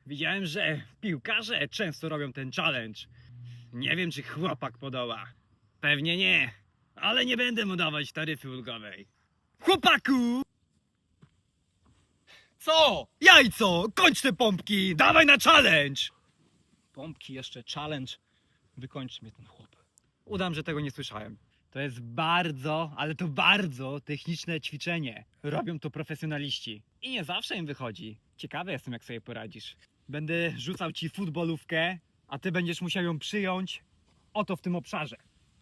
Widziałem, że piłkarze często robią ten challenge. Nie wiem, czy chłopak podoła. Pewnie nie, ale nie będę mu dawać taryfy ulgowej. Chłopaku! Co? Jajco! Kończ te pompki! Dawaj na challenge! Pompki jeszcze, challenge. Wykończy mnie ten chłop. Udam, że tego nie słyszałem. To jest bardzo, ale to bardzo techniczne ćwiczenie. Robią to profesjonaliści. I nie zawsze im wychodzi. Ciekawy jestem, jak sobie poradzisz. Będę rzucał ci futbolówkę, a ty będziesz musiał ją przyjąć oto w tym obszarze.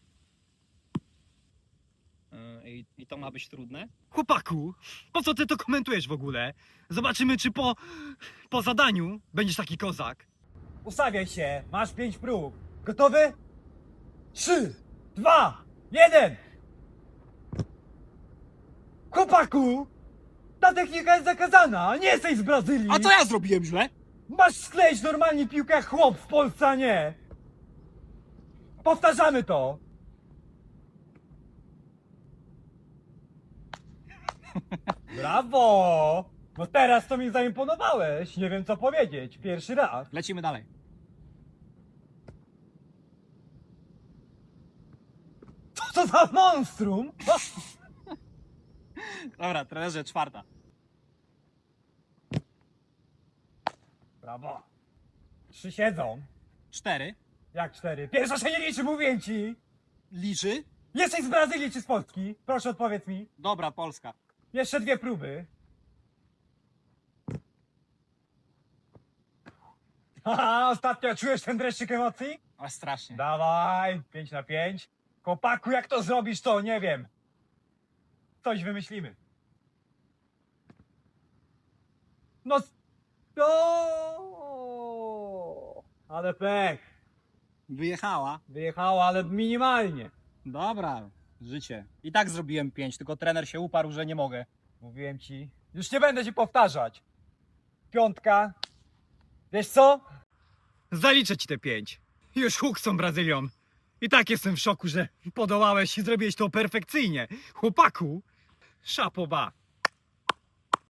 I to ma być trudne? Chłopaku, po co ty to komentujesz w ogóle? Zobaczymy, czy po zadaniu będziesz taki kozak. Ustawiaj się, masz 5 prób. Gotowy? 3, 2, 1! Chłopaku! Ta technika jest zakazana, nie jesteś z Brazylii! A co ja zrobiłem źle? Masz skleić normalnie piłkę jak chłop w Polsce, a nie! Powtarzamy to! Brawo! Bo teraz to mi zaimponowałeś, nie wiem co powiedzieć, pierwszy raz. Lecimy dalej. Co za monstrum! Dobra, trenerze, czwarta. Brawo! 3 siedzą. 4. Jak 4? Pierwsza się nie liczy, mówię ci! Liczy? Jesteś z Brazylii czy z Polski? Proszę odpowiedz mi. Dobra, Polska. Jeszcze 2 próby. Haha, ostatnio czujesz ten dreszczyk emocji? Ale strasznie. Dawaj, 5 na 5. Chłopaku, jak to zrobisz, to nie wiem. Coś wymyślimy. No... O, ale pech. Wyjechała. Wyjechała, ale minimalnie. Dobra, życie. I tak zrobiłem 5, tylko trener się uparł, że nie mogę. Mówiłem ci. Już nie będę ci powtarzać. 5. Wiesz co? Zaliczę ci te 5. Już huk z tą Brazylią. I tak jestem w szoku, że podołałeś i zrobiłeś to perfekcyjnie. Chłopaku, szapoba.